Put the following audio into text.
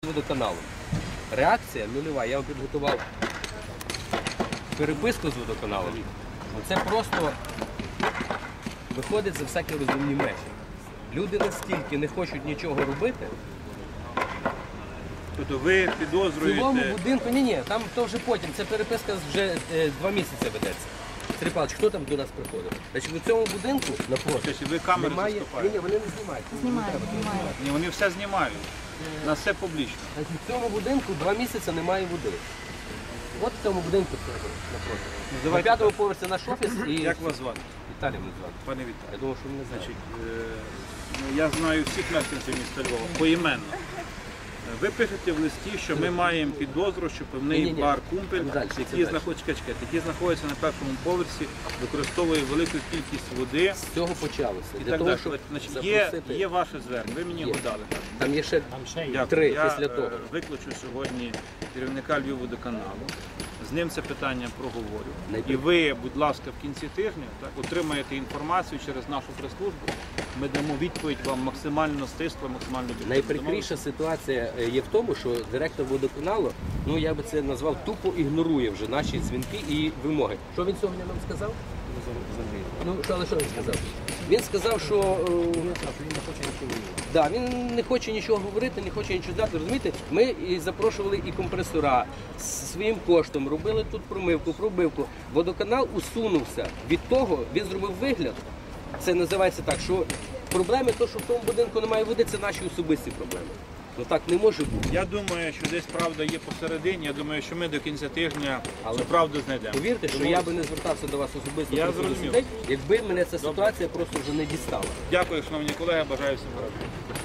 водоканалом. Реакція нульова. Я вам підготував переписку з водоканалом. Це просто виходить за всякі розумні межі. Люди настільки не хочуть нічого робити. Тобто ви В підозрюєте... цілому будинку, ні, там то вже потім, це переписка вже 2 місяці ведеться. Сергій Павлович, хто там до нас приходив? Значить, у цьому будинку напроти Тобто ви камери немає... заступаєте? Ні, вони не знімають. Знімають. Ні, вони все знімають. На все публічно. Значить, в цьому будинку 2 місяці немає води. От в цьому будинку напроти. На Давайте 5-му поверсі наш офіс і Як вас звати? Віталій мене звати. Пане Віталій. Я думав, що мене знають. Я знаю всіх мешканців міста Львова поіменно. Ви пишете в листі, що ми маємо підозру, що певний Ні-ні-ні. бар «Кумпель», Там далі, це який далі. знаходиться на першому поверсі, використовує велику кількість води З цього почалося. і Для так того, далі. щоб Значить, запросити... є ваше звернення, ви мені Є. його дали. Там є ще Дякую. 3 Я після того. викличу сьогодні керівника Львівводоканалу, з ним це питання проговорю. Найпри- І ви, будь ласка, в кінці тижня отримаєте інформацію через нашу прес-службу. Ми дамо відповідь вам максимально стисло, максимально об'єктивно. Найприкріша ситуація є в тому, що директор водоканалу, ну я би це назвав, тупо ігнорує вже наші дзвінки і вимоги. Що він сьогодні нам сказав? Ну, але що він сказав? Він сказав, що він не хоче нічого говорити, не хоче нічого дати. Розумієте, ми і запрошували і компресора з своїм коштом, робили тут промивку, пробивку. Водоканал усунувся від того, він зробив вигляд. Це називається так, що проблеми, то, що в тому будинку немає води, це наші особисті проблеми. Ну так не може бути. Я думаю, що десь правда є посередині. Я думаю, що ми до кінця тижня цю правду знайдемо. Повірте, що я би не звертався до вас особисто Я просто до зрозумів. людей, якби мене ця ситуація просто вже не дістала. Дякую, шановні колеги, бажаю всім гаразд.